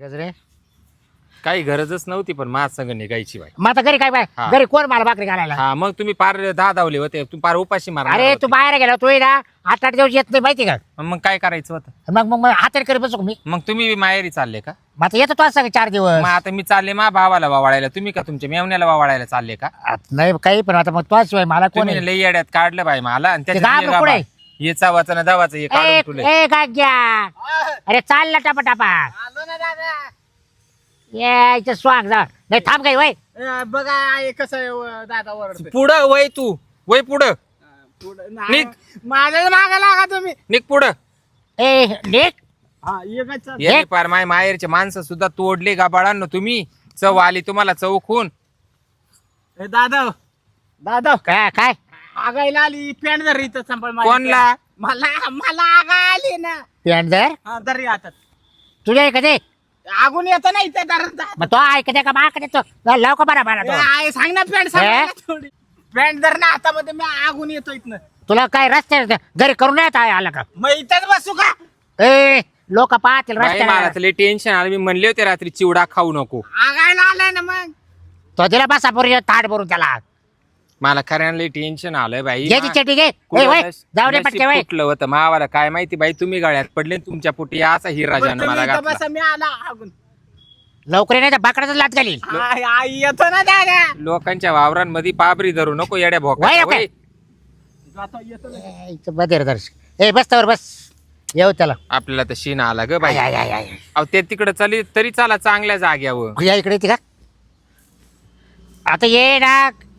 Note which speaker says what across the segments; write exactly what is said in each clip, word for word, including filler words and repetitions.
Speaker 1: गजरे
Speaker 2: काही गरजच नव्हती पण माझ संग निघायची बाई.
Speaker 1: मग आता घरी काय बाय
Speaker 2: हा.
Speaker 1: घरी कोण मला भाकरी घालायला?
Speaker 2: हा मग तुम्ही पार दहा धावले होते, तुम्ही पार उपाशी मारणार
Speaker 1: अरे
Speaker 2: होते.
Speaker 1: तू बाहेर गेला तू ना आठ आठ दिवस येत नाही माहिती का?
Speaker 2: मग काय करायचं होतं?
Speaker 1: मग मग मग हाताने करी बसू का मी?
Speaker 2: मग तुम्ही माहेरी चालले का?
Speaker 1: मग आता येतो तो सांग चार दिवस.
Speaker 2: मग आता मी चालले मा भावाला वावळायला, तुम्ही का तुमच्या मेवण्याला वावळायला चालले का?
Speaker 1: आता नाही काही पण आता मग तो शिवाय मला कोण
Speaker 2: तुम्ही लई येड्यात काढलं बाई मला आणि
Speaker 1: ते
Speaker 2: त्याच्यात
Speaker 1: गाव कुठे?
Speaker 2: हे चावाचं ना दावाचं हे काढून तुले.
Speaker 1: ए गाग्या अरे चाल ना टापा टापा
Speaker 3: आलो ना दादा.
Speaker 1: यायचं स्वाग जा नाही थांब काही वय
Speaker 3: अ, बघा आहे कसं आहे, व, दादा ओरडतोय.
Speaker 2: पुढं वय तू वय पुढं
Speaker 3: पुढं
Speaker 2: निघ.
Speaker 3: नाही, माझ्या मागा लागा तुम्ही.
Speaker 2: निघ पुढं.
Speaker 1: ए निक
Speaker 3: हा एकच चाल.
Speaker 2: याने पार माय माहेरचे माणसं सुद्धा तोडले गाबाळांनो तुम्ही. चव आली तुम्हाला चव खून.
Speaker 3: ए, दादा दादा
Speaker 1: काय काय
Speaker 3: आगायला आली पॅन्ट धर इथं संपळ माझी
Speaker 2: कोणला?
Speaker 3: पॅन्ट. मला मला आगा आली ना.
Speaker 1: पेंडर
Speaker 3: हा धर हातात.
Speaker 1: तुझ्या कधी
Speaker 3: आगून येतं ना इथं धर.
Speaker 1: मग तो ऐकते का माग देतो लाव का बरा बरा तो
Speaker 3: आहे सांग ना पॅन्ट सांग
Speaker 1: हे?
Speaker 3: ना थोडी. पॅन्ट धर ना हातामध्ये मी आगून येतो इथनं.
Speaker 1: तुला काय रस्ते घरी करून नाही येत आला का?
Speaker 3: मग इथंच बसू का?
Speaker 1: ए लोक पाहतील
Speaker 2: बाई, मला
Speaker 1: रस्त्याला
Speaker 2: तर लई टेन्शन आलं. मी म्हणले होते रात्री चिवडा खाऊ नको.
Speaker 3: आगायला आलाय ना मग.
Speaker 1: तो दिला बसा पोरी ताट भरून त्याला
Speaker 2: मला खऱ्यानं लई टेन्शन आलंय बाई.
Speaker 1: घे ती चटी घे ए, वय, जाऊ दे पटके वय
Speaker 2: कुठलं होतं मावाला काय माहिती बाई. तुम्ही गळ्यात पडले आणि तुमच्या पोटी असा हिरा
Speaker 3: बरं,
Speaker 2: ज्यानं
Speaker 3: तुम्ही
Speaker 2: मला
Speaker 3: इथं
Speaker 2: घातला.
Speaker 3: बसा मी आला आगून.
Speaker 1: लवकर नाही तर बाकडाच लात घालील
Speaker 3: आय, आय, येतो ना दादा.
Speaker 2: लोकांच्या वावरांमध्ये पाबरी धरू नको येड्या
Speaker 1: वय,
Speaker 2: भोका.
Speaker 1: ओके.
Speaker 3: जातो येतो ना.
Speaker 1: ए, इथं बधेर दर्श ए बस तर बस येऊ त्याला
Speaker 2: आपल्याला तर शीन आला ग बाई.
Speaker 1: आय, आय, आय, आय.
Speaker 2: अहो ते तिकडे चली तरी चाला चांगल्या जाग्यावर.
Speaker 1: या इकडे येते का आता ये ना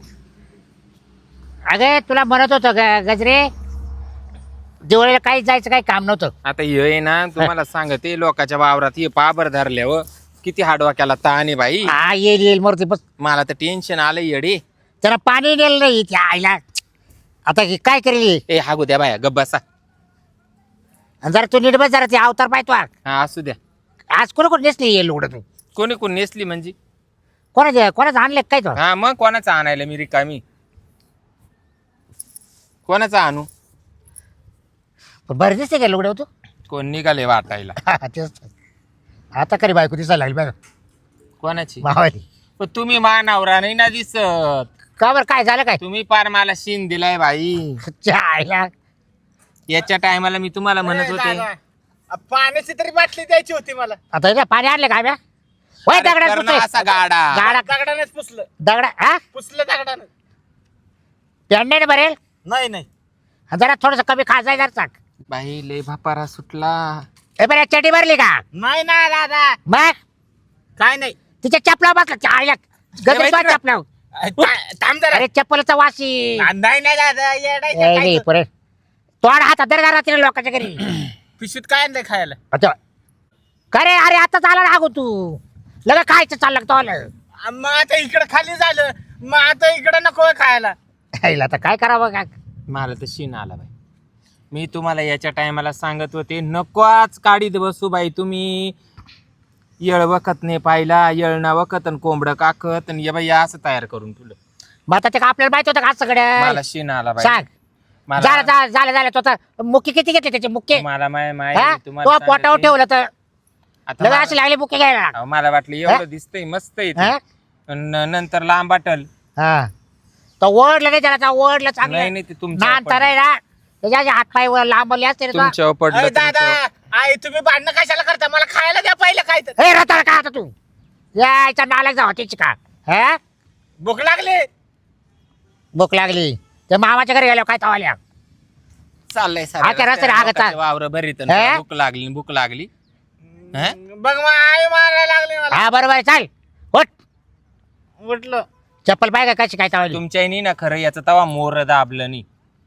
Speaker 1: अगे तुला म्हणत होतं ग- गजरे दिवाळीला काही जायचं काही काम नव्हतं.
Speaker 2: आता हे ना तुम्हाला सांगते लोकांच्या वावरात हे पाबर धरल्यावर किती हाडवाक्याला ताण आहे बाई.
Speaker 1: हा येईल येईल मूर्ती बस
Speaker 2: मला तर टेन्शन आलं येडे.
Speaker 1: त्याला पाणी नेलं नाही त्या आईला आता हे काय करेल
Speaker 2: ए हागू द्या बाया गब्बासा.
Speaker 1: आणि जरा तू नीट बस जरा ते अवतार पाहतो
Speaker 2: हा असू द्या.
Speaker 1: आज कोण कोण नेसली येईल उघड तू
Speaker 2: कोणी कोण नेसली म्हणजे?
Speaker 1: कोणाचे कोणाचं आणले काय तो
Speaker 2: हा मग कोणाचा आणायला मी रिकामी? कोणाचा आणू?
Speaker 1: पण बरं दिसते का लुगडे तू
Speaker 2: कोण निघाले वाटायला?
Speaker 1: तेच तर. आता करी बायको दिसायला लागली बघा
Speaker 2: कोणाची?
Speaker 1: मावाली
Speaker 2: पण तुम्ही मानावरा नाही ना दिसत.
Speaker 1: का बरं काय झालं काय
Speaker 2: तुम्ही पार मला शीन दिलाय बाई.
Speaker 1: च्या आईला
Speaker 2: याच्या टायमाला मी तुम्हाला म्हणत
Speaker 3: ए,
Speaker 2: होते
Speaker 3: दादा, अ, पाण्याची तरी बाटली द्यायची होती मला.
Speaker 1: आता इथे पाणी आणले काय ब्या होय
Speaker 2: अरे
Speaker 1: दगडात
Speaker 2: कर ना
Speaker 1: पुसतोय.
Speaker 2: असा गाडा.
Speaker 1: गाडा
Speaker 3: दगडानेच पुसलं.
Speaker 1: दगडा हा
Speaker 3: पुसलं दगडानं.
Speaker 1: पेंडे भरेल
Speaker 3: नाही नाही
Speaker 1: जरा थोडस कमी खाजाय जरा चाक
Speaker 2: बाई लय भापारा सुटला.
Speaker 1: ए बरं चटी भरली का
Speaker 3: नाही ना दादा
Speaker 1: मग
Speaker 3: काय नाही.
Speaker 1: तिच्या चपला बसला च्या आईला
Speaker 2: माहिती
Speaker 1: गजर
Speaker 2: का?
Speaker 1: चपला
Speaker 3: अ, था- थांब जरा.
Speaker 1: अरे चप्पलचा वाशी
Speaker 3: नाही नाही दादा येडायचं
Speaker 1: ए,
Speaker 3: काय
Speaker 1: नाही,
Speaker 3: तर.
Speaker 1: पुरे तोड हातात दर रात्री लोकांच्या घरी
Speaker 3: पिशवीत काय आणलंय खायला?
Speaker 1: आता का रे अरे आता चाला ना तू लगे खायचं चाललं तो आलं
Speaker 3: अ, मग आता इकडं खाली झालं, मग आता इकडं नको आहे खायला.
Speaker 1: आईला आता काय करावं का
Speaker 2: मला तर शीन आला बाई. मी तुम्हाला याच्या टायमाला सांगत होते नकोच काढीत बसू बाई तुम्ही. येळ वखत नाही पाहिला येळना वखत आणि कोंबडं काकत आणि ये बाई असं तयार करून तुला.
Speaker 1: मग आता ते का आपल्याला माहित होतं का आज
Speaker 2: मला
Speaker 1: सगळं
Speaker 2: शीन आला बाई.
Speaker 1: सांग
Speaker 2: मला
Speaker 1: झालं झालं झालं झालं तो आता मुक्के किती घेतले त्याचे मुक्के
Speaker 2: मला माय
Speaker 1: हा?
Speaker 2: माय
Speaker 1: तो
Speaker 2: तुम्हाला
Speaker 1: पोटावर
Speaker 2: सांगते.
Speaker 1: ठेवलं तर
Speaker 2: आता
Speaker 1: लगे
Speaker 2: मला-
Speaker 1: असे लागले मुक्के घ्यायला
Speaker 2: अहो, मला वाटलं
Speaker 1: हा?
Speaker 2: एवढं दिसतंय मस्त आहे
Speaker 1: हा?
Speaker 2: ते. न- नंतर लांब वाटल.
Speaker 1: हा तो ओढलं नाही त्याला ओढलं
Speaker 2: नाही
Speaker 1: चांगलं
Speaker 2: नाही ते तुमच्या
Speaker 1: नांतर आहे ना त्याच्या हात पाय लांबले असते रे तो.
Speaker 2: तुमच्यावर पडलं
Speaker 3: अरे दादा
Speaker 2: तुमच्यावर.
Speaker 3: आई तुम्ही भांडणं कशाला करता? मला खायला द्या पहिलं काय तर.
Speaker 1: ए रताळ का आता तू यायचा नालायक जावा त्याची का हा
Speaker 3: भूक लागली.
Speaker 1: भूक लागली त्या मामाच्या घरी गेल्या काय तवाल्या
Speaker 2: चाललंय
Speaker 1: आता रस्त्याने हागत आहे.
Speaker 2: वावर भरीत
Speaker 1: हा?
Speaker 2: भूक लागली भूक लागली. हा?
Speaker 3: बघ मग आई मारायला लागली मला.
Speaker 1: हा बरोबर आहे, चाल उठ
Speaker 3: उठलं.
Speaker 1: चप्पल पाय का कशी काय तवाली
Speaker 2: तुमच्या नाही ना खरं याचं तवा मोर दाबलं नाही.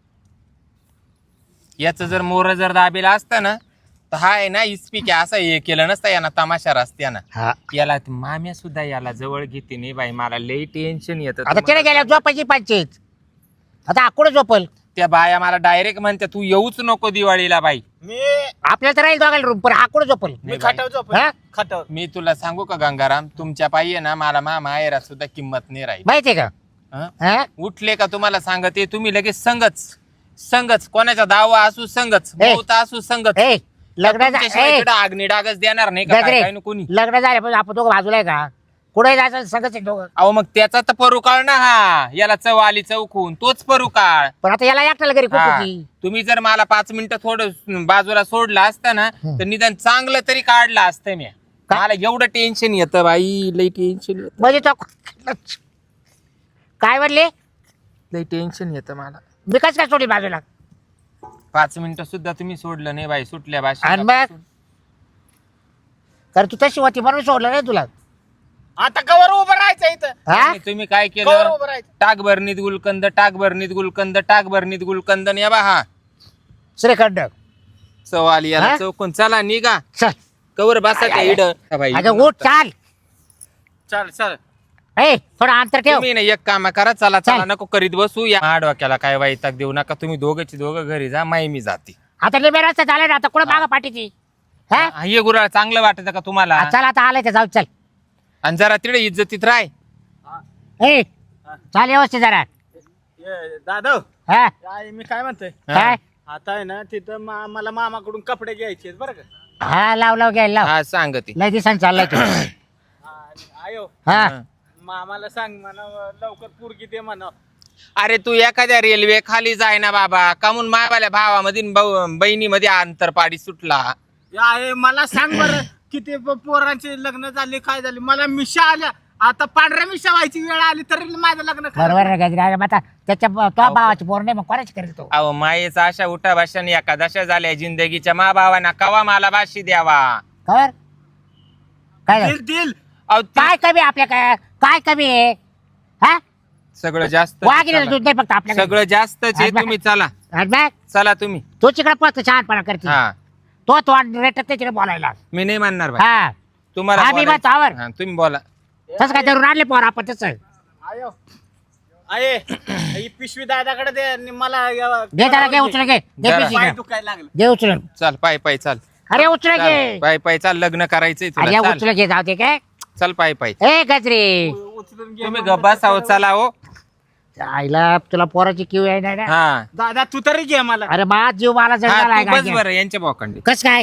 Speaker 2: याचं जर मोर जर दाबेला असतं ना तर हा आहे ना इस्पिक असं हे केलं नसतं यानं तमाशा रस्त्यानं.
Speaker 1: हा
Speaker 2: याला माम्या सुद्धा याला जवळ घेते नाही बाई. मला लई टेन्शन येतं.
Speaker 1: आता तिने गेल्या झोपायची पंचायत आता आकुड झोपल
Speaker 2: त्या बाया मला डायरेक्ट म्हणते तू येऊच नको दिवाळीला बाई.
Speaker 3: मी
Speaker 1: आपल्याला तर राहील दोघायला रूम पण आकुड झोपल
Speaker 3: मी
Speaker 2: नाही बाई.
Speaker 3: खटाव झोप
Speaker 1: हा?
Speaker 3: खटाव.
Speaker 2: मी तुला सांगू का गंगाराम तुमच्या पायी आहे ना मला मा माहेरात सुद्धा किंमत नाही राहील.
Speaker 1: माहितीये का
Speaker 2: हं?
Speaker 1: हा
Speaker 2: उठले का तुम्हाला सांगते तुम्ही लगेच संगच संगच कोणाचा दावा असू संगच
Speaker 1: ए.
Speaker 2: मौत असू संगच.
Speaker 1: ए लग्न झा-
Speaker 2: तुमच्याशिवाय
Speaker 1: ए!
Speaker 2: इकडं आग्नी डागच देणार नाही का
Speaker 1: गजरे
Speaker 2: काय काय नु कोणी
Speaker 1: लग्न झाले पण आपण दोघं बाजूला आहे का कुठे जायचं सगळंच आहे दोघं
Speaker 2: अहो मग त्याचा तर परुकाळ ना हा याला चव आली चौकून तोच परुकाळ
Speaker 1: पण आता याला एकट्याला घरी
Speaker 2: हा.
Speaker 1: कुठची
Speaker 2: तुम्ही जर मला पाच मिनिटं थोडं बाजूला सोडलं असतं ना तर निदान चांगलं तरी काढलं असतं मी
Speaker 1: का?
Speaker 2: मला एवढं टेन्शन येतं बाई लई टेन्शन येतं
Speaker 1: म्हणजे तो काय म्हणले
Speaker 2: लई टेन्शन येतं मला
Speaker 1: मी कसं काय सोडी बाजूला
Speaker 2: पाच मिनिटं सुद्धा तुम्ही सोडलं नाही बाई सुटल्या
Speaker 1: आणि
Speaker 2: भाषा
Speaker 1: मग कारण तू तशी होती म्हणून सोडलं नाही तुला
Speaker 3: आता कवर उभं राहायचं इथं
Speaker 1: हा
Speaker 2: तुम्ही काय
Speaker 3: कवर
Speaker 2: केलं
Speaker 3: उभं राहायचं
Speaker 2: टाक भरणीत गुलकंद टाक भरणीत गुलकंद टाक भरणीत गुलकंद या बा हा
Speaker 1: श्रीखंड
Speaker 2: चव आली याला
Speaker 1: हा?
Speaker 2: चौकून चला निघा
Speaker 1: चल
Speaker 2: कवर बसा त्या इड
Speaker 1: अगं उठ चाल
Speaker 3: चल चल
Speaker 1: ए थोडं अंतर ठेव
Speaker 2: तुम्ही ना एक काम करा चला चला
Speaker 1: चल.
Speaker 2: नको करीत बसू या माझ्या डोक्याला काय वैताग देऊ नका तुम्ही दोघंची दोघं घरी जा माई मी जाते
Speaker 1: आता निम्या रस्ता झाला ना आता कुठं मागा पाठीची हा
Speaker 2: हा, हे गुराळ चांगलं वाटत का तुम्हाला
Speaker 1: चल आता आलाय ते जाऊ चल
Speaker 2: आणि जरा तिकडे इज्जतीत राह
Speaker 1: ए चाल व्यवस्थित जरा
Speaker 3: ये, दादा
Speaker 1: हा
Speaker 3: काय मी काय म्हणतोय
Speaker 1: काय
Speaker 3: आता आहे ना तिथं मा- मला मामाकडून कपडे घ्यायचे बरं का
Speaker 1: हा लाव लाव घ्यायला लाव
Speaker 2: हा सांगते
Speaker 1: लय दिवसांनी चाललाय तू
Speaker 3: हा, आणि आयो
Speaker 1: हा
Speaker 3: मामाला सांग म्हणा लवकर पोरगी दे म्हणा
Speaker 2: अरे तू एखाद्या रेल्वे खाली जाय ना बाबा कामून मायावाल्या भावामध्ये न भाऊ- बहिणीमध्ये अंतर पाडी सुटला
Speaker 3: आहे मला सांग बरं किती प- पोरांचे लग्न झाले काय झाले मला मिशा आल्या आता पांढऱ्या मिशा व्हायची वेळ आली तरी माझं लग्न खरं.
Speaker 1: बरोबर आहे गजरे अरे मग आता त्याच्या तो भावाची पोर नाही मग कोणाची करेल तो
Speaker 2: अहो मायेचा अशा उठा भाषण एकादशा झाल्या जिंदगीच्या मा भावाना कवा मला बाशी द्यावा
Speaker 1: खबर काय झालं?
Speaker 3: दिल दिल
Speaker 2: अहो ती-
Speaker 1: काय कमी आहे आपल्या काय काय कमी आहे हा
Speaker 2: सगळं जास्त
Speaker 1: वाघिणीला दूध नाही फक्त आपल्या
Speaker 2: सगळं जास्तच आहे तुम्ही चला चला तुम्ही
Speaker 1: तो तिकडे पळतो छानपणा करते
Speaker 2: हा
Speaker 1: तो तो रेटत नाही तिकडे बोलायला
Speaker 2: मी नाही म्हणणार भाई
Speaker 1: हा
Speaker 2: तुम्हाला
Speaker 1: आम्ही
Speaker 2: बोलायचं-
Speaker 1: मग आवर.
Speaker 2: हा, तुम्ही बोला
Speaker 1: तसं काय धरून आणले पोर आपण तसं
Speaker 3: आयो आहे ही पिशवी दादाकडे दे आणि मला या-
Speaker 1: घे त्याला घे उचल घे घे
Speaker 2: जरा.
Speaker 1: पिशवी
Speaker 3: पाय
Speaker 1: घे.
Speaker 3: दुखायला लागलं
Speaker 1: घे उचलून
Speaker 2: चल पाय पाय चाल
Speaker 1: अरे उचल
Speaker 2: चाल,
Speaker 1: घे
Speaker 2: पाय पाय चाल लग्न करायचंय
Speaker 1: अरे
Speaker 2: तुला चाल.
Speaker 1: उचल घे जाऊ दे काय
Speaker 2: चल पाय पाय
Speaker 1: ए गजरे
Speaker 3: उचलून घे
Speaker 2: तुम्ही
Speaker 3: मामा.
Speaker 2: गप्पा साव चला हो
Speaker 1: आईला तुला पोराची किव आहे ना
Speaker 2: हा
Speaker 3: दादा तू तरी घे मला
Speaker 1: अरे मा जीव मला
Speaker 2: हा,
Speaker 1: जळाला
Speaker 2: तू बस बरं यांच्या बोकांडी
Speaker 1: कस काय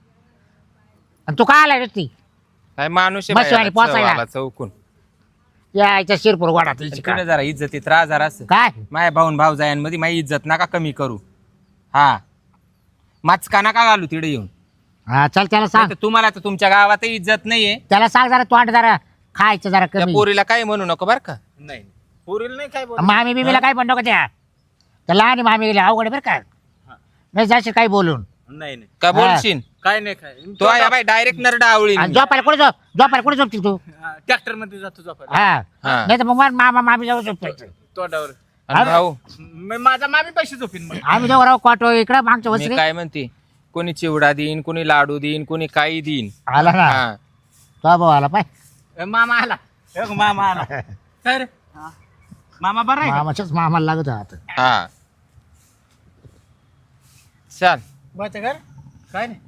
Speaker 1: आणि तू का आलाय नुसती
Speaker 2: काय माणूस आहे
Speaker 1: बस
Speaker 2: बाई,
Speaker 1: वाली,
Speaker 2: चव
Speaker 1: पोचायला.
Speaker 2: आला चौकून
Speaker 1: या आईच्या शिरपूर गोडा तिची
Speaker 2: तिकडे
Speaker 1: काय
Speaker 2: जरा इज्जतीत राहा जरा असं
Speaker 1: काय
Speaker 2: माया भाऊन भाऊ जायांमध्ये माझी इज्जत नका कमी करू हा माचका नका घालू तिकडे येऊन
Speaker 1: हा चल त्याला सांग
Speaker 2: नाहीतर तुम्हाला तर तुमच्या गावात इज्जत नाहीये
Speaker 1: त्याला सांग जरा तोंड जरा खायचं जरा
Speaker 2: त्या
Speaker 1: कमी
Speaker 2: पोरीला काय म्हणू नको बर का
Speaker 3: नाही पोरील नाही काय बोल
Speaker 1: मामी बिमीला काय पण नको त्या त्या लहान मामी गेली अवघड आहे बरं का नाही जाशील काही बोलून
Speaker 3: नाही नाही
Speaker 2: का
Speaker 1: हा.
Speaker 2: बोलशील
Speaker 3: काय नाही काय
Speaker 2: तो आहे बाई डायरेक्ट नरडा आवळी
Speaker 1: आणि झोपायला कुठे झोप झोपायला कुठे झोपतील तू
Speaker 3: ट्रॅक्टर मध्ये जातो झोपायला
Speaker 1: हा
Speaker 2: हा.
Speaker 1: नाही तर मग मा- मामा मामी जाऊ झोपायचं
Speaker 3: तोंडावर
Speaker 2: भाऊ
Speaker 3: मी माझा मामी पैसे झोपीन मग
Speaker 1: आम्ही दोघं राहू क्वाटो इकडं मागच्या
Speaker 2: मी
Speaker 1: वसरी
Speaker 2: काय म्हणते कोणी चिवडा देईन कोणी लाडू देईन कोणी काही देईन
Speaker 1: आला ना
Speaker 2: हा
Speaker 1: तो भाऊ आला पाय
Speaker 3: ए, मामा आला ए, मामा आला काय रे हा. मामा बरा आहे का?
Speaker 1: मामाच्याच मामाला लागत हात
Speaker 2: हा चल
Speaker 3: बस कर काय नाही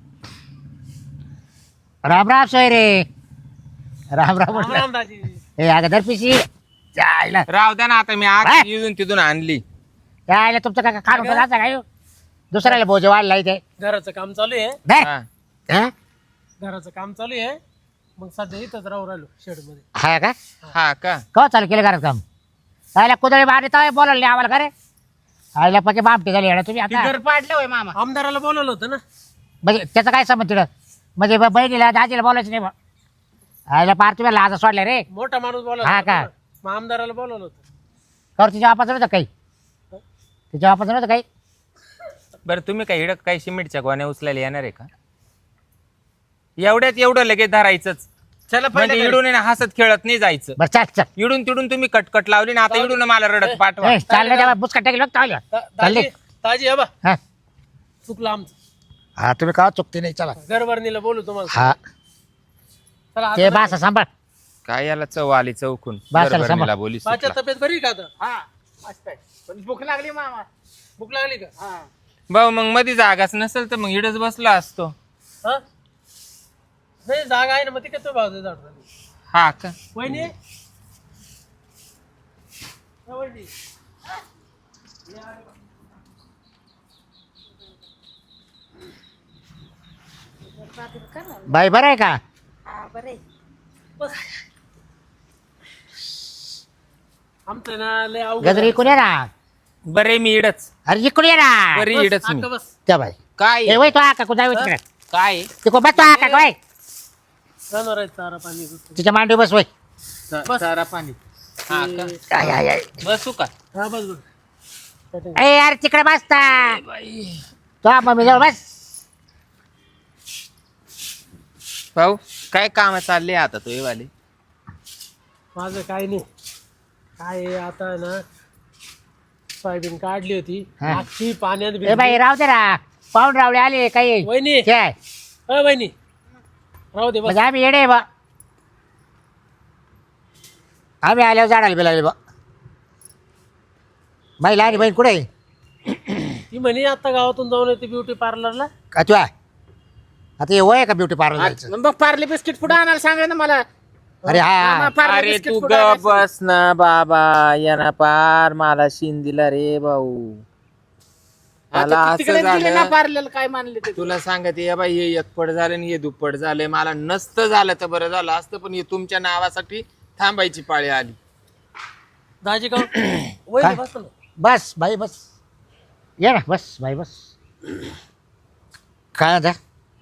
Speaker 1: राम राम सोय रे राम राम
Speaker 3: राम
Speaker 1: म्हटलं.
Speaker 3: राम दाजी
Speaker 1: ए अगं दर पिशी जायला
Speaker 2: राव द्या ना आता मी
Speaker 1: हा?
Speaker 2: आज इथून तिथून आणली
Speaker 1: जायला तुमचं काय खाणून जायचं काय दुसऱ्याला भोजे वाढला इथे
Speaker 3: घराचं काम चालू आहे
Speaker 1: नाही?
Speaker 2: हा.
Speaker 1: हा?
Speaker 3: घराचं काम चालू आहे मग सध्या इथंच राहू राहिलो शेड मध्ये
Speaker 1: हा का
Speaker 2: हा का
Speaker 1: कवा चालू केलं घरात काम आयला कुदळी बाहेर येतो बोलायला नाही आम्हाला खरे आईला पक्के बामटी झाली येणार तुम्ही आता
Speaker 3: घर पाडलं होय मामा आमदाराला बोलवलं होतं ना
Speaker 1: म्हणजे त्याचं काय समज तिकडं म्हणजे ब- बहिणीला दाजीला बोलायचं नाही बा आईला पार तुम्ही लाजा सोडल्या रे
Speaker 3: मोठा माणूस बोलवला
Speaker 1: हा
Speaker 3: होता
Speaker 1: का?
Speaker 3: ना. मग आमदाराला बोलवलं होतं
Speaker 1: कर तिच्या वापाचं नव्हतं काही तिच्या वापाचं नव्हतं काही
Speaker 2: बरं तुम्ही काय हिडक काही सिमेंटच्या गोण्या उचलायला येणार आहे का एवढ्यात एवढं लगेच धरायचंच
Speaker 3: चला
Speaker 2: म्हणजे
Speaker 3: पहिले
Speaker 2: इडून आहे ना हसत खेळत नाही जायचं
Speaker 1: बरं चाल चल
Speaker 2: इडून तिडून तुम्ही कटकट लावली ना आता इडून मला रडत पाठवा
Speaker 1: ए, चाललं तेव्हा बुसका टाकेल बघ चालल्या चालले
Speaker 3: ताजी हबा
Speaker 1: हा
Speaker 3: चुकलं आमचं
Speaker 1: हा तुम्ही का चुकते नाही चला
Speaker 3: घरभरणीला बोलू तुम्हाला
Speaker 1: हा
Speaker 3: चला
Speaker 1: ते बासा सांभाळ
Speaker 2: काय याला चव आली चौकून
Speaker 1: बस चला,
Speaker 2: बरबरणीला
Speaker 1: सांभाळ.
Speaker 2: बोली
Speaker 3: माझ्या
Speaker 2: सुटला.
Speaker 3: तब्येत बरी का आता हा मस्त आहे पण भूक लागली मामा भूक लागली का हा
Speaker 2: भाऊ मग मध्ये जागाच नसेल तर मग इडच बसला असतो
Speaker 3: हा नाही जागा आहे ना मग ती काय तो भाव दे झाड
Speaker 2: हा का
Speaker 3: वहिनी हा, वहिनी
Speaker 1: बाई बरं आहे का?
Speaker 4: बस आमचं ना लय अवघड
Speaker 1: गजरी इकडून ये ना.
Speaker 2: बरे मी इडच
Speaker 1: अरे इकडून ये ना.
Speaker 2: बरी
Speaker 4: बस,
Speaker 2: इडच मी
Speaker 4: अक्का बस
Speaker 1: त्या बाई
Speaker 2: काय
Speaker 1: ए वय तो आका कुठं जाऊ तिकडे
Speaker 2: काय
Speaker 1: तिकडे बस तो आका वय
Speaker 4: जाणार आहे चारा पाणी
Speaker 1: तिच्या मांडी बस वय.
Speaker 4: बस.
Speaker 2: सारा पाणी हा का?
Speaker 1: आय, आय, आय.
Speaker 2: बसू का
Speaker 4: हा बस बस
Speaker 1: ए यार तिकडे बसता तो मम्मी जवळ बस.
Speaker 2: भाऊ काय काम चालले आता तो वाले
Speaker 4: माझं काय नाही काय आहे, आता आहे ना सोयाबीन काढली होती
Speaker 1: हा.
Speaker 4: अख्खी पाण्यात
Speaker 1: ए
Speaker 4: भिजली.
Speaker 1: बाई राहू दे ना. पाहून रावले आले काही
Speaker 4: वहिनी
Speaker 1: काय
Speaker 4: अ वहिनी राहू दे बस
Speaker 1: म्हणजे आम्ही येडे बा. आम्ही आल्यावर झाडाला बिलाले बा. बाई लहानी बहीण कुठे आहे?
Speaker 4: ती म्हणे आता गावातून जाऊन येते ब्युटी पार्लरला
Speaker 1: का तू आहे आता हे वय आहे का ब्युटी पार्लर जायचं?
Speaker 3: मग पार्ले बिस्किट पुढे आणायला सांगा ना मला.
Speaker 1: अरे हा
Speaker 3: पार्ले
Speaker 2: अरे
Speaker 3: बिस्किट
Speaker 2: तू
Speaker 3: पुढं
Speaker 2: ग
Speaker 3: आणायला सांगा.
Speaker 2: बस ना बाबा याना पार मला शिन दिला रे भाऊ मला
Speaker 3: आता
Speaker 2: असं
Speaker 3: तिकडे दिले ना
Speaker 2: झालं
Speaker 3: पार्लेला काय मानले ते.
Speaker 2: तुला सांगते या बाई हे एकपट झालं आणि हे दुप्पट झालंय मला नसतं झालं तर बरं झालं असतं पण हे तुमच्या नावासाठी थांबायची पाळी आली
Speaker 4: दाजी का वहिनी बस ना
Speaker 1: बस बाई बस ये ना बस बाई बस. काय आता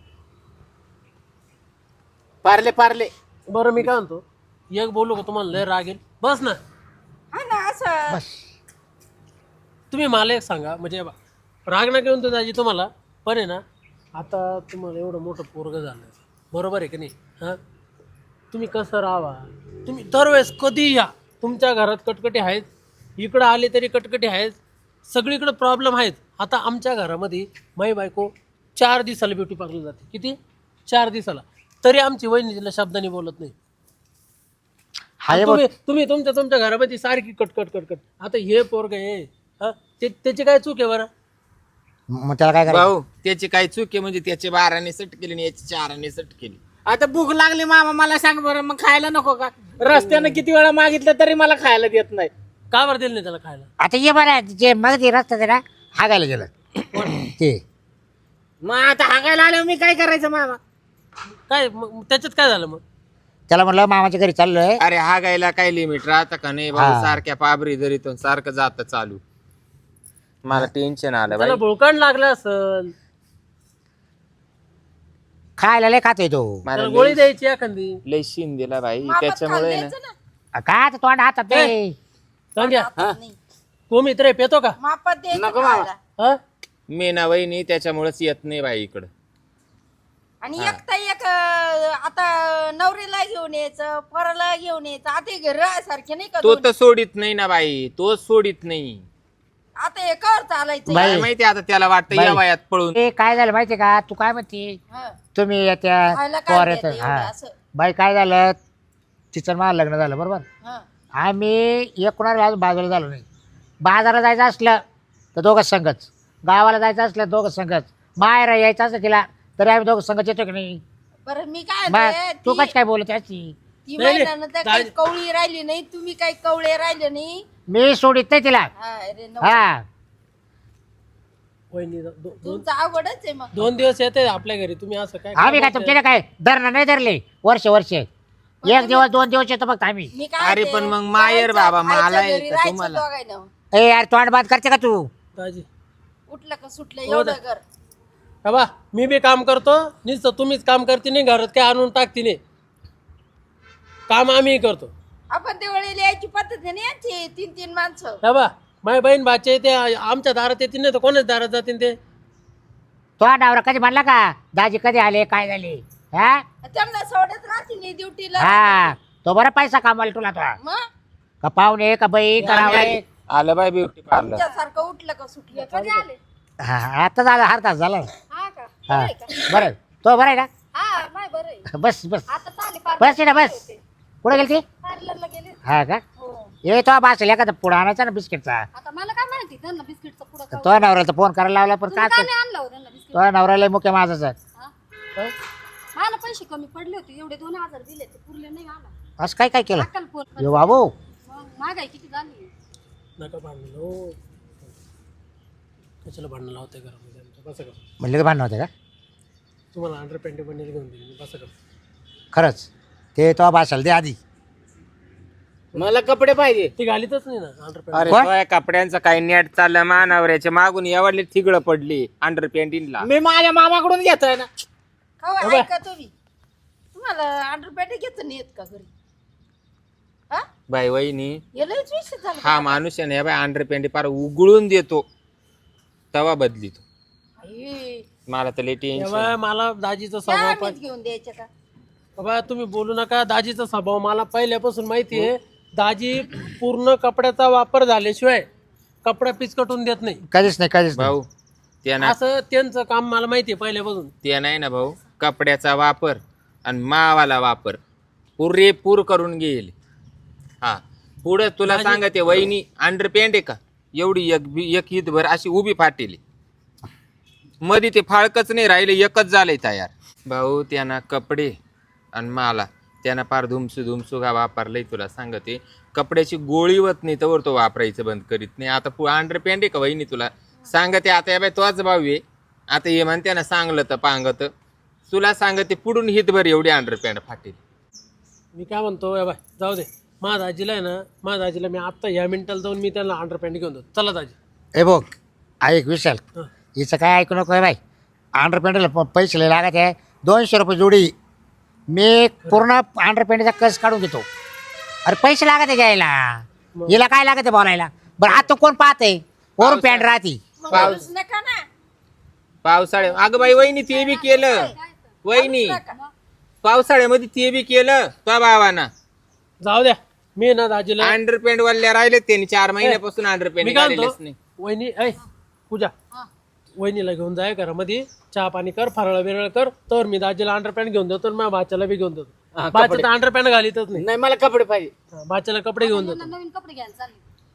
Speaker 3: पार्ले पार्ले
Speaker 4: बरं मी काय म्हणतो एक बोलू का तुम्हाला लय राग येईल बस ना
Speaker 1: बस.
Speaker 4: तुम्ही मला एक सांगा म्हणजे बा, राग ना घेऊन तो दाजी तुम्हाला पण आहे ना आता तुम्हाला एवढं मोठं पोरग झालं बरोबर आहे की नाही हां तुम्ही कसं राहावा तुम्ही दरवेळेस कधी या तुमच्या घरात कटकटी आहेत इकडं आले तरी कटकटी आहेत सगळीकडे प्रॉब्लेम आहेत. आता आमच्या घरामध्ये माई बायको चार दिवसाला ब्युटी पार्लर जाते किती चार दिवसाला तरी आमची वहिनी तिला शब्दाने बोलत नाही.
Speaker 1: हाय
Speaker 4: तुम्ही तुम्ही तुमच्या तुमच्या घरामध्ये सारखी कटकट कटकट आता हे पोरग आहे हा ते त्याची काय चूक आहे बरं
Speaker 1: मग त्याला काय करायचं?
Speaker 2: भाऊ त्याची काय चूक आहे म्हणजे त्याची बाराने सट केली आणि याची चाराने सट केली
Speaker 3: आता भूक लागली मामा मला सांग बरं मग खायला नको का? रस्त्यानं किती वेळा मागितलं तरी मला खायला देत नाही.
Speaker 4: का बरं दिलं नाही त्याला खायला
Speaker 1: आता ये बरं जे मग ते रस्ता ते ना हागायला गेलं ते
Speaker 3: मग आता हागायला आल्यावर मी काय करायचं मामा?
Speaker 4: काय मग त्याच्यात काय झालं मग
Speaker 1: त्याला म्हणलं मामाच्या घरी चाललोय.
Speaker 2: अरे हा गायला काय लिमिट राहतं का नाही भाऊ
Speaker 1: हा.
Speaker 2: सारख्या पाबरी जरीतून सारखं जात चालू मला टेन्शन आलं
Speaker 4: त्याला
Speaker 2: बाई
Speaker 4: भोकाण लागलं असल
Speaker 1: खायला लय खातोय तो.
Speaker 2: मला
Speaker 4: त्याला गोळी
Speaker 2: लय-
Speaker 4: द्यायची एखादी
Speaker 2: लय शिन दिला भाई त्याच्यामुळे ना
Speaker 1: काय आता तोंड हातात ते
Speaker 4: सांग्या तो मित्र पेतो का
Speaker 5: मापात द्यायचं
Speaker 3: नको मामा.
Speaker 5: खायला.
Speaker 4: हा
Speaker 2: मेना वहिनी त्याच्यामुळेच येत नाही बाई इकडं
Speaker 5: आणि एकटा एक अं, आता नवरीला घेऊन यायचं पोराला घेऊन यायचं आता हे घर सारखे नाही का
Speaker 2: तो
Speaker 5: दोन्ही?
Speaker 2: तर सोडित नाही ना बाई तो सोडित नाही
Speaker 5: आता हे कर चालायचं
Speaker 1: बाई.
Speaker 2: काय माहिती आता त्याला वाटतं
Speaker 1: बाई.
Speaker 2: या वयात पळून
Speaker 1: ते काय झालं माहितीये का तू काय म्हणते
Speaker 5: हं.
Speaker 1: तुम्ही येत्या
Speaker 5: खायला काय
Speaker 1: पोर येत
Speaker 5: देते एवढं असं?
Speaker 1: बाई काय झालं तिचं मला लग्न झालं बरोबर.
Speaker 5: हं.
Speaker 1: आम्ही एक कुणाला अजून बाजूला झालो नाही. बाजाराला जायचं असलं तर दोघं संघच गावाला जायचं असलं दोघं संघच माहेर यायचं असलं तिला तरी आम्ही दोघं संघच येतो की नाही.
Speaker 5: बरं मी काय
Speaker 1: मग
Speaker 5: म्हणते,
Speaker 1: तू
Speaker 5: ती-
Speaker 1: कशी काय बोलत अशी?
Speaker 5: ती
Speaker 4: नाही,
Speaker 5: महिन्यानं तर काही
Speaker 4: दाजी-
Speaker 5: कवळी राहिली नाही तुम्ही काही कवळे राहिले नाही
Speaker 1: मी सोडित नाही तिला.
Speaker 5: हा, अरे नको.
Speaker 1: हा
Speaker 4: वहिनी दो- दो- दोन
Speaker 5: तुमचं अवघडच आहे मग
Speaker 4: दोन दिवस येते आपल्या घरी तुम्ही असं काय
Speaker 1: आम्ही काय तुमच्याकडे काय धरणं नाही धरले वर्ष वर्ष एक दिवस दोन दिवस येतो फक्त आम्ही.
Speaker 5: मी काय
Speaker 2: अरे
Speaker 5: म्हणते,
Speaker 2: पण मग माहेर
Speaker 5: करायचं,
Speaker 2: बाबा, मला
Speaker 5: खायचं,
Speaker 2: आहे
Speaker 5: घरी
Speaker 2: का
Speaker 5: राहायचं
Speaker 2: तुम्हाला?
Speaker 5: दोघांना.
Speaker 1: ए यार तोंड बाद करते का तू?
Speaker 4: दाजी
Speaker 5: उठलं का सुटलं
Speaker 4: हो
Speaker 5: एवढं
Speaker 4: दा.
Speaker 5: कर
Speaker 4: हा बा मी बी काम करतो नुसतं तुम्हीच काम करते नाही घरात काय आणून टाकते नाही काम आम्ही करतो
Speaker 5: आपण दिवाळीला यायची पद्धत आहे ना यांची तीन तीन माणसं
Speaker 4: हा बा माझी बहीण बाचे ते आमच्या दारात येतील नाही तर कोणाच दारात जातील ते
Speaker 1: तो नवरा कधी म्हणला का दाजी कधी आले काय झाले? हा
Speaker 5: त्यांना सोडत राहते नाही ड्युटीला
Speaker 1: हा तो बरा पैसा कामाला तुला तो
Speaker 5: मग
Speaker 1: का पाहुणे का बाई करावं.
Speaker 2: आलं बाई ब्युटी पार्लर
Speaker 5: तुमच्यासारखं उठलं का सुटलं कधी आले
Speaker 1: हा आता झाला हर तास झाला.
Speaker 5: हा का
Speaker 1: हा बरं तो बरं आहे ना.
Speaker 5: हा माय बरं आहे
Speaker 1: बस बस
Speaker 5: आता चाले
Speaker 1: बस ना बस कुठे गेली ती?
Speaker 5: पार्लरला गेले
Speaker 1: हा का
Speaker 5: हो
Speaker 1: ये तो बास एखादा पुढं आणायचा ना बिस्किटचा.
Speaker 5: आता मला काय माहिती त्यांना बिस्किटचा पुढं
Speaker 1: तो नवऱ्याला फोन करायला लावला पण काय
Speaker 5: आणलं होतं त्यांना बिस्किट
Speaker 1: तो नवऱ्याला मुख्य माझाच आहे.
Speaker 5: मला पैसे कमी पडले होते एवढे दोन हजार दिले ते पुरले नाही मला
Speaker 1: असं काय काय केलं
Speaker 5: अक्कल फोन
Speaker 1: यो बाबू
Speaker 5: महागाई किती झाली
Speaker 4: नका भांडण हो कशाला भांडण लावते घरामध्ये आमच्या कसं कसं
Speaker 1: म्हणले तर भांडण होते का?
Speaker 4: तुम्हाला अंडर पॅन्ट बनेल घेऊन देईल बस कर.
Speaker 1: खरंच ते तो भाषाला दे आधी.
Speaker 3: मला कपडे पाहिजे.
Speaker 4: ती घालीतच नाही ना अंडर पॅन्ट.
Speaker 2: अरे
Speaker 1: कोण?
Speaker 2: तो या कपड्यांचं काही नेट चाललं मानावऱ्याच्या मागून एवढली थिगळं पडली अंडर पॅन्टीनला.
Speaker 3: मी माझ्या मामाकडून घेतोय ना.
Speaker 5: हो ऐका तुम्ही तुम्हाला अंडरपॅन्ट घेत नाही येत का घरी? हा
Speaker 2: बाई वहिनी
Speaker 5: हे लयच विषय झाला.
Speaker 2: हा माणूस आहे ना बाय अंडर पॅन्टी पार उगळून देतो तवा बदली तो.
Speaker 5: आई,
Speaker 2: मला तर लय टेन्शन.
Speaker 4: तेव्हा मला दाजीचा
Speaker 5: त्या
Speaker 4: स्वभाव
Speaker 5: आम्हीच
Speaker 4: पण
Speaker 5: घेऊन द्यायचे का?
Speaker 4: बाबा तुम्ही बोलू नका. दाजीचा स्वभाव मला पहिल्यापासून माहिती आहे. दाजी पूर्ण कपड्याचा वापर झाल्याशिवाय कपडा पिचकटून देत नाही.
Speaker 1: कधीच नाही कधीच नाही.
Speaker 2: भाऊ ते ना
Speaker 4: असं त्यांचं काम मला माहिती आहे पहिल्यापासून.
Speaker 2: ते नाही ना भाऊ कपड्याचा वापर आणि मावाला वापर पुरेपूर करून घेईल. हा पुढे तुला सांगते वहिनी अंडर पॅन्ट आहे का एवढी एक बी- एक ईदभर अशी उभी फाटेली मध्ये ते फाळकच नाही राहिले एकच झालंय तयार. भाऊ त्यांना कपडे आणि मला त्यानं फार धुमसू धुमसू का वापरलंय. तुला सांगते कपड्याची गोळी होत नाही तर तो वापरायचं बंद करीत नाही. आता अंडर पॅन्ट आहे का वहिनी तुला सांगते आता या बाय तोच भाऊ आहे. आता हे म्हणते ना सांगलं तर पांगत तुला सांगते पुढून हितभर एवढी अंडर पॅन्ट फाटेल.
Speaker 4: मी काय म्हणतो या बाय जाऊ दे. माझ्या दाजीला आहे ना माझ्या दाजीला मी आत्ता ह्या मिनिटाला जाऊन मी त्यांना अंडर पॅन्ट घेऊन देतो. चला दाजी.
Speaker 1: हे बघ ऐक विशाल
Speaker 4: हं.
Speaker 1: हिचं काय ऐकू नको आहे बाई. अंडर पॅन्टला पैसे लय लागत आहे दोनशे रुपये जोडी. मी पूर्ण अंडर पॅन्टचा कस काढून घेतो. अरे पैसे लागत आहे घ्यायला हिला काय लागत आहे बोलायला. बरं आता कोण पाहते वरून पॅन्ट राहती.
Speaker 5: मग बोलूच नका ना.
Speaker 2: पावसाळ्या अगं बाई वहिनी ते बी केलं वहिनी पावसाळ्यामध्ये ते बी केलं तो बाबांना
Speaker 4: जाऊ द्या. मी ना दाजीला
Speaker 2: अंडर पॅन्ट वाल्या राहिले त्यांनी चार महिन्यापासून अंडर
Speaker 4: मी
Speaker 2: पॅन्ट
Speaker 4: काय
Speaker 2: घालेलेच
Speaker 4: म्हणतो
Speaker 2: नाही.
Speaker 4: वहिनी ऐ पूजा वहिनीला घेऊन जाय घरामध्ये चहा पाणी कर फराळ बिरळ कर तर मी दाजीला अंडर पॅन्ट घेऊन देतो. माझ्या बाच्याला बी घेऊन देतो. बाच्या तर अंडर पॅन्ट घालीतच नाही.
Speaker 3: नाही मला कपडे पाहिजे.
Speaker 4: हा, बाच्याला कपडे घेऊन देतो.
Speaker 6: नवीन कपडे घ्यायला चालले.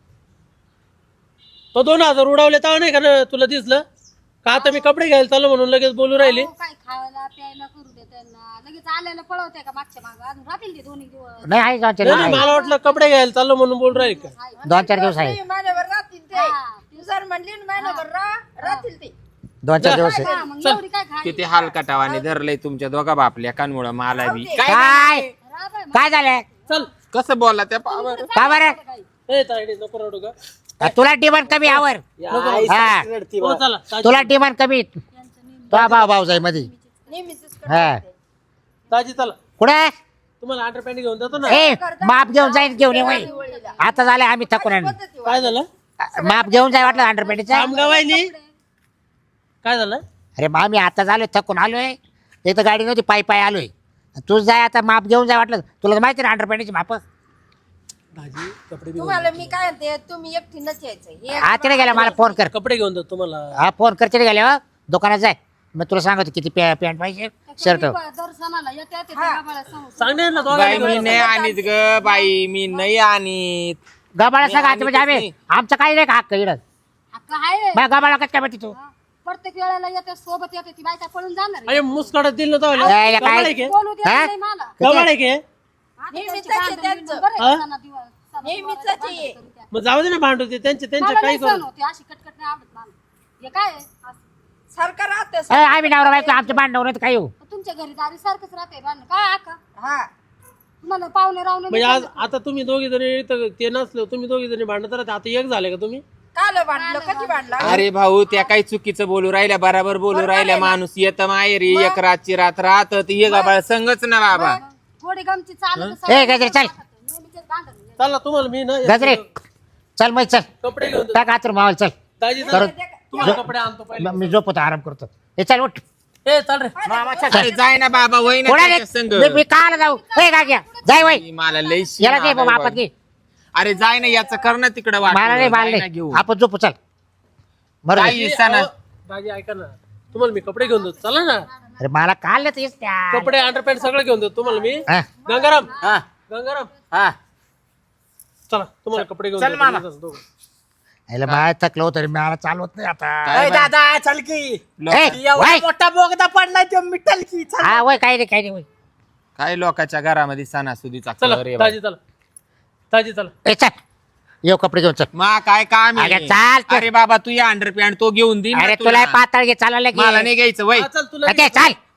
Speaker 4: तो दोन हजार उडवले तर नाही का ना तुला दिसलं का? आता मी कपडे घ्यायला चाललो म्हणून लगेच बोलू राहिले.
Speaker 6: अहो, काय खायला प्यायला करू दे त्यांना. लगेच आल्याला पळवते का मागच्या मागं अजून राहतील ते दोन्ही दिवस.
Speaker 1: नाही आहे दोन चार
Speaker 4: नाही
Speaker 1: दिवस
Speaker 4: नाही,
Speaker 1: आहे.
Speaker 4: मला वाटलं कपडे घ्यायला चाललो म्हणून बोलू राहिले का?
Speaker 1: दोन चार दिवस आहे.
Speaker 5: नाही, महिनाभर राहतील ते. तू जर म्हणली ना महिनाभर राह राहतील ते.
Speaker 1: दोन चार दिवस आहे.
Speaker 6: हा, मग एवढी काय खाय
Speaker 2: किती हलकटावाने धरलंय तुमच्या दोघा बापल्या कानमुळं मला बी
Speaker 1: काय काय झालं
Speaker 4: चल
Speaker 2: कसं बोलला त्या पावर
Speaker 1: का बरं
Speaker 4: ए तायडे नको रडू का?
Speaker 1: तुला डिमांड कमी आवर. हा
Speaker 4: हो, चला ताजी-
Speaker 1: तुला डिमांड कमी तो भाऊ भाऊ जाई मध्ये.
Speaker 5: नेहमीच
Speaker 1: हा
Speaker 4: ताजी चला
Speaker 1: कुठे
Speaker 4: तुम्हाला अंडर पॅन्ट घेऊन देतो ना.
Speaker 1: ए माप घेऊन जाईन घेऊन ये वय. आता झाले आम्ही थकून आणू.
Speaker 4: काय झालं
Speaker 1: माप घेऊन जाय वाटलं अंडर पॅन्टचा.
Speaker 4: कामगावायनी काय झालं?
Speaker 1: अरे मग आम्ही आता झालोय थकून आलोय. एक तर गाडी नव्हती पायी पायी आलोय. तू जाय आता माप घेऊन जाय वाटलं. तुला तर माहिती ना अंडर पॅन्टची माप.
Speaker 4: दाजी कपडे बी
Speaker 5: तुम्हाला मी काय म्हणते तुम्ही एकटीनच यायचं. हे
Speaker 1: हा तिने गेला मला फोन कर.
Speaker 4: कपडे घेऊन देतो तुम्हाला.
Speaker 1: हा फोन कर तिने गेल्या दुकानात जाय. मग तुला सांगतो किती पॅ- पॅन्ट पाहिजे शर्ट.
Speaker 6: दर सणाला येते येते त्या गाभाळा समोर.
Speaker 4: सांगणार ना
Speaker 2: बाई
Speaker 4: दोघांना
Speaker 2: मी नाही आणीत ग बाई मी नाही आणीत.
Speaker 1: गबाळा सांगा
Speaker 2: आम्ही
Speaker 1: म्हणजे आम्ही
Speaker 2: नाही.
Speaker 1: आमचं काही नाही का हक्क इकडं.
Speaker 6: हक्क आहे.
Speaker 1: मग गबाळा कसं काय माहिती तू.
Speaker 6: हा. प्रत्येक वेळेला येते सोबत येते ती बायका पळून जाणार आहे.
Speaker 4: अरे मुस्काडात दिल ना तो
Speaker 1: यायला काय?
Speaker 4: गबाळ आहे के?
Speaker 6: बोलू देत
Speaker 1: हा?
Speaker 6: नाही मला.
Speaker 4: गबाळ आहे के?
Speaker 6: आता
Speaker 5: नेहमीच
Speaker 6: त्यांची
Speaker 5: आहे
Speaker 6: भांडण
Speaker 5: त्यांचं.
Speaker 6: बिंडण बरं
Speaker 4: हा?
Speaker 6: आहे सणा दिवस. सणा
Speaker 5: नेहमीच
Speaker 6: दिवस
Speaker 5: आहे.
Speaker 6: भांडण करू द्या.
Speaker 4: मग जाऊ दे ना भांडू ते त्यांचे त्यांचे
Speaker 6: मला
Speaker 4: काही
Speaker 6: नाही सहन
Speaker 4: करू.
Speaker 6: होते अशी कटकट नाही आवडत मला. हे काय आहे? असं.
Speaker 5: सारखं राहते
Speaker 1: ए, आम्ही नवरा बायको आमचं भांडण नाही तर काय येऊ.
Speaker 6: तुमच्या घरी दारी सारखंच राहते भांडण. काय आका
Speaker 5: हा
Speaker 6: तुम्हाला पाहुणे रावणे
Speaker 4: म्हणजे आज आता तुम्ही दोघी जणी इथं ते नसले तुम्ही दोघी जणी भांडत राहते. आता एक झाले का तुम्ही?
Speaker 5: काल भांडलं कधी भांडला.
Speaker 2: अरे भाऊ त्या काही चुकीचं बोलू राहिल्या बराबर बोलू राहिल्या. माणूस येत माहेरी एक रातची रात राहत ती एक बाळ संगच ना बाबा.
Speaker 6: थोडी गमती चालत
Speaker 1: ए गजरे चल
Speaker 6: नेहमीच भांडण.
Speaker 4: चला तुम्हाला मी ना
Speaker 1: गजरे चल मग चल
Speaker 4: कपडे घेऊन देतो.
Speaker 1: टाक आतर मावाला चल.
Speaker 4: दाजी चला. तुम्हाला कपडे आणतो पहिले.
Speaker 1: मग मी झोपतो आराम करतो. हे चल उठ.
Speaker 4: ए चल रे.
Speaker 2: अरे जाय ना बाबा वय ना
Speaker 1: कोणाला
Speaker 2: त्याच्या संग.
Speaker 1: मी- मी काल जाऊ ए गाग्या जाय वय.
Speaker 2: मला लय शीण
Speaker 1: याला दे
Speaker 2: आलाय
Speaker 1: बाबा
Speaker 2: बाई.
Speaker 1: आपण घे.
Speaker 2: अरे जाय ना याचं कर ना तिकडं वाटलं.
Speaker 1: मला नाही
Speaker 2: जाय ना
Speaker 1: बांधले
Speaker 2: घेऊ.
Speaker 1: आपण झोपू चल. बरं
Speaker 2: काही हिस्सा ना.
Speaker 4: अहो, दाजी ऐका ना तुम्हाला मी कपडे घेऊन देतो. चला ना
Speaker 1: अरे मला काल तेच त्या
Speaker 4: कपडे अंडर पॅन्ट सगळं घेऊन देतो तुम्हाला मी.
Speaker 1: हा.
Speaker 4: गंगाराम
Speaker 3: हा
Speaker 4: गंगाराम
Speaker 3: हा
Speaker 4: चला तुम्हाला कपडे घेऊन
Speaker 3: चल
Speaker 4: देतो.
Speaker 3: मामा.
Speaker 4: मी दोघं.
Speaker 1: याला बाय थकलो तरी मला चालवत नाही आता.
Speaker 2: काय
Speaker 3: ए,
Speaker 2: बाई?
Speaker 3: दादा चल की
Speaker 2: लोक-
Speaker 1: ए,
Speaker 3: एवढा
Speaker 1: वय.
Speaker 3: मोठा बोगदा पडलाय तो मिटल की चल.
Speaker 1: हा वय काही नाही काही नाही वय.
Speaker 2: काय लोकांच्या घरामध्ये सणासुदीचा
Speaker 4: चला
Speaker 2: कलर आहे बाई.
Speaker 4: दाजी चला दाजी चला.
Speaker 1: ए चल येऊ कपडे घेऊन चल.
Speaker 2: मा काय काम आहे?
Speaker 1: अरे चाल तू.
Speaker 2: अरे बाबा तू या अंडर पॅन्ट तो घेऊन दे ना
Speaker 1: अरे
Speaker 2: तुला.
Speaker 1: तुला पाताळ घे चालायला
Speaker 2: मला
Speaker 1: घे.
Speaker 2: नाही घ्यायचं वय
Speaker 4: हा, चल तुला
Speaker 1: ते चाल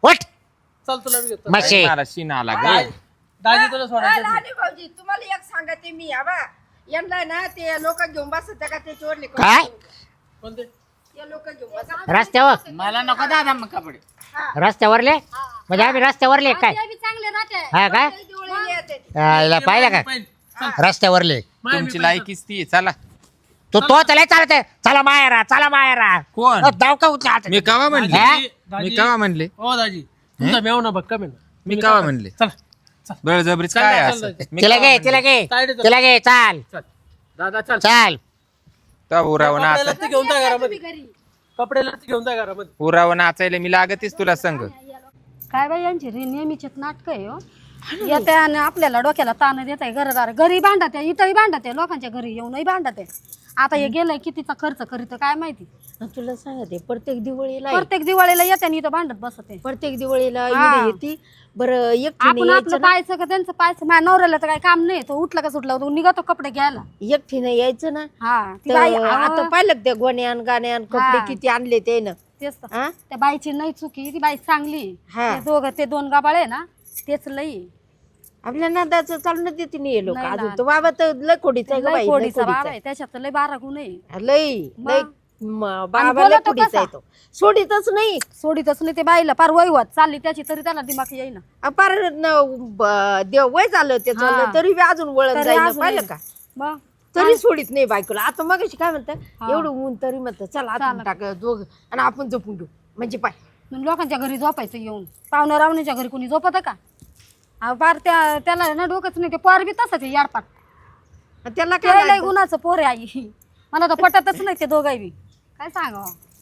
Speaker 1: वट
Speaker 4: चल तुला मी घेतो
Speaker 1: मशी
Speaker 2: मला शिन आला ग
Speaker 4: दाजी तुला
Speaker 5: अ,
Speaker 4: सोडायचं
Speaker 5: लहानी भाऊजी तुम्हाला एक सांगते मी आबा यांना ना ते लोक घेऊन बसत का ते चोरले
Speaker 1: काय
Speaker 4: कोणते
Speaker 5: ते लोक घेऊन बसत
Speaker 1: रस्त्यावर
Speaker 3: मला नको दादा मग कपडे
Speaker 1: रस्त्यावरले म्हणजे आम्ही रस्त्यावरले काय
Speaker 6: ते बी चांगले राहते
Speaker 1: हा काय
Speaker 5: दिवाळी येते
Speaker 1: हा, हिला पाहिलं का रस्त्यावरले
Speaker 2: तुमची लायकीच ती आहे. चला
Speaker 1: तो तो चला चालत आहे. चला मायरा चला मायरा
Speaker 2: कोण
Speaker 1: अ, दाव का उचला
Speaker 2: मी कवा म्हणले
Speaker 1: हा?
Speaker 2: मी कवा म्हणले
Speaker 4: हो दाजी तुमचा मेव ना बघ कमी ना
Speaker 2: मी कवा म्हणले
Speaker 4: चल
Speaker 2: बळजबरीच
Speaker 4: चल
Speaker 2: काय
Speaker 4: ना,
Speaker 2: असं
Speaker 4: चल
Speaker 2: मी
Speaker 1: तिला
Speaker 2: कवा
Speaker 1: घे
Speaker 2: म्हणले?
Speaker 1: तिला घे
Speaker 4: साईड चल.
Speaker 1: तिला घे चाल
Speaker 4: चल दादा चल
Speaker 1: चाल
Speaker 2: तो उराव नाच
Speaker 4: कपडे घेऊन जा घरामध्ये
Speaker 6: घरी
Speaker 4: कपडे घेऊन जा घरामध्ये
Speaker 2: उराव नाचायला मी लागतेच तुला संग
Speaker 6: काय बाई यांची रे नेहमीचेच नाटक आहे हो येते आणि आपल्याला डोक्याला ताण देत आहे घरदार घरी भांडत आहे इथंही भांडत आहे लोकांच्या घरी येऊनही भांडत आहे आता हे गेलंय कितीचा खर्च करीत काय माहिती
Speaker 5: तुला सांगते प्रत्येक दिवाळीला
Speaker 6: प्रत्येक दिवाळीला येते आणि इथं भांडत बसत आहे
Speaker 5: प्रत्येक दिवाळीला
Speaker 6: हा.
Speaker 5: इकडे येते बरं
Speaker 6: आपण आपलं
Speaker 5: एकटीने
Speaker 6: पाहायचं का त्यांचं पाहायचं माझ्या नवऱ्याला तर काही काम नाही तो उठला का सुटला तो निघतो कपडे घ्यायला
Speaker 5: एकटीने यायचं ना
Speaker 6: हा ती
Speaker 5: तर
Speaker 6: बाई
Speaker 5: आता
Speaker 6: आता
Speaker 5: पाहिलं का त्या गोण्यान गाण्यान कपडे
Speaker 6: हा.
Speaker 5: किती आणले ते ना
Speaker 6: तेच तर.
Speaker 5: हा?
Speaker 6: त्या बाईची नाही चुकी ती बाई चांगली आहे.
Speaker 5: हा.
Speaker 6: ते दोघं ते दोन गाबाळे ना तेच लई आहे.
Speaker 5: आपल्या नादाचं चालणं देते नाही लोक
Speaker 6: नाही
Speaker 5: अजून
Speaker 6: ना.
Speaker 5: तो बाबा तर लय खोडीचा आहे ग
Speaker 6: लई
Speaker 5: बाई, लय
Speaker 6: कोडीचा
Speaker 5: खोडीचा
Speaker 6: बाबा आहे त्याच्यात तर लय बारा गुण आहे
Speaker 5: आहे. लय
Speaker 6: मग?
Speaker 5: लय म- बाबा लय
Speaker 6: बोलतो
Speaker 5: खोडीचा
Speaker 6: कसा?
Speaker 5: आहे तो सोडीतच नाही
Speaker 6: सोडीतच नाही ते बाईला पार वैवत चालली त्याची तरी त्याला दिमाग येईना
Speaker 5: अ, पार न- ब- देव वय झालं ते
Speaker 6: हा.
Speaker 5: झालं तरी बी अजून वळण
Speaker 6: तरी
Speaker 5: जाईल
Speaker 6: अजून
Speaker 5: पाहिलं
Speaker 6: येईल.
Speaker 5: का
Speaker 6: मग
Speaker 5: तरी सोडित नाही बायकोला आता मग काय म्हणतात
Speaker 6: हा.
Speaker 5: एवढं ऊन तरी म्हणतात चला आपण टाक दोघ आणि आपण जपून घेऊ म्हणजे पाय
Speaker 6: मग लोकांच्या घरी झोपायचं येऊन पाहुण्या रावणीच्या घरी कोणी झोपत का अहो, पार त्या त्याला ना डोकंच नाही ते पोर बी तसंच आहे याडपाट
Speaker 5: आणि त्याला
Speaker 6: ते
Speaker 5: काय
Speaker 6: लय
Speaker 5: लागतं?
Speaker 6: गुणाचं पोर आहे आई मला तर पटतच नाही ते दोघाही बी काय सांगावं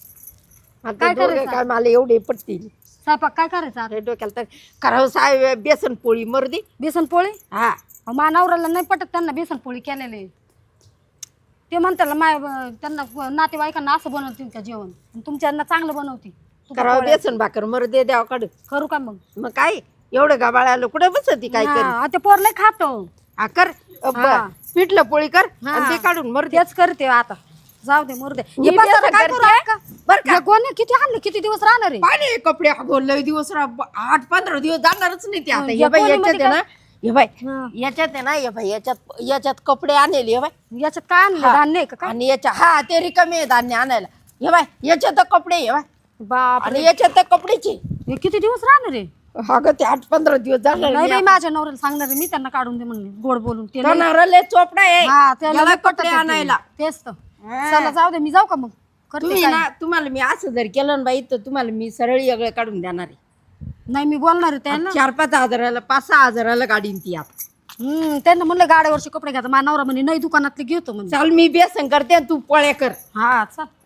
Speaker 5: आता
Speaker 6: काय
Speaker 5: दोघं
Speaker 6: करायचं?
Speaker 5: काय मला एवढे पटतील
Speaker 6: स्वयंपाक काय करायचं आता?
Speaker 5: अरे डोक्याला तर करावं साहेब बेसन पोळी मर्दी
Speaker 6: बेसन पोळी
Speaker 5: हा
Speaker 6: अहो, मा नवऱ्याला नाही पटत त्यांना बेसन पोळी केलेले ते म्हणतात माय त्यांना नातेवाईकांना असं बनवतील का जेवण आणि तुमच्यांना चांगलं बनवती तुका
Speaker 5: करावं
Speaker 6: पोळ्या.
Speaker 5: बेसन भाकर मर्दे द्यावं काढ
Speaker 6: करू का मग
Speaker 5: मग काय एवढं गाबाळाला कुठे बसती काय कर
Speaker 6: हा, ते पोर लय खातो
Speaker 5: हा कर अ, ब-
Speaker 6: हा.
Speaker 5: पिठलं पोळी कर
Speaker 6: हा.
Speaker 5: आणि ते काढून मर्दे
Speaker 6: तेच करते आता जाऊ दे मुर्दे
Speaker 5: मी
Speaker 6: हे पसारा
Speaker 5: बेसन
Speaker 6: काय
Speaker 5: करते.
Speaker 6: करू का?
Speaker 5: बरं का?
Speaker 6: हे कोणी किती आणले किती दिवस राहणार आहे
Speaker 5: पाणी कपडे अगो लय दिवस रा- आठ पंधरा दिवस जाणारच नाही ते आता
Speaker 6: या
Speaker 5: हे बाई
Speaker 6: पोळीमध्ये
Speaker 5: याच्यात आहे ना हे बाई
Speaker 6: हा.
Speaker 5: याच्यात आहे ना हे बाई याच्यात याच्यात कपडे आणले हे बाई
Speaker 6: याच्यात काय आणलं
Speaker 5: हा.
Speaker 6: धान्य आहे का काय
Speaker 5: आणि याच्या हा ते रिकामे आहे धान्य आणायला हे बाय याच्यात कपडे हे बाय
Speaker 6: बाप
Speaker 5: आणि याच्यात कपडेचे
Speaker 6: हे किती दिवस राहणार आहे
Speaker 5: अगं ते आठ पंधरा दिवस जाणार
Speaker 6: नाही बाई
Speaker 5: नाही.
Speaker 6: माझ्या नवऱ्याला सांगणार आहे मी त्यांना काढून दे म्हणले गोड बोलून ते लय-
Speaker 5: जाणार लय चोपडा आहे
Speaker 6: हा, त्याला
Speaker 5: याला
Speaker 6: लय पटत
Speaker 5: कपडे
Speaker 6: आहे ते.
Speaker 5: आणायला
Speaker 6: तेच तर
Speaker 5: हा.
Speaker 6: चला जाऊ दे मी जाऊ का मग करते
Speaker 5: तुम्ही
Speaker 6: काय.
Speaker 5: ना तुम्हाला मी असं जर केलं ना बाई तर तुम्हाला मी सरळ वेगळं काढून देणार आहे
Speaker 6: नाही मी बोलणार आहे त्यांना
Speaker 5: चार पाच हजाराला पाच सहा हजाराला गाडीन ती आता
Speaker 6: हम्म त्यांना म्हणलं गाड्यावरचे कपडे घ्यायचं माझा नवरा म्हणे नाही दुकानातले घेतो म्हणजे
Speaker 5: चाल मी बेसन करते आणि तू पोळ्या कर
Speaker 6: हा चल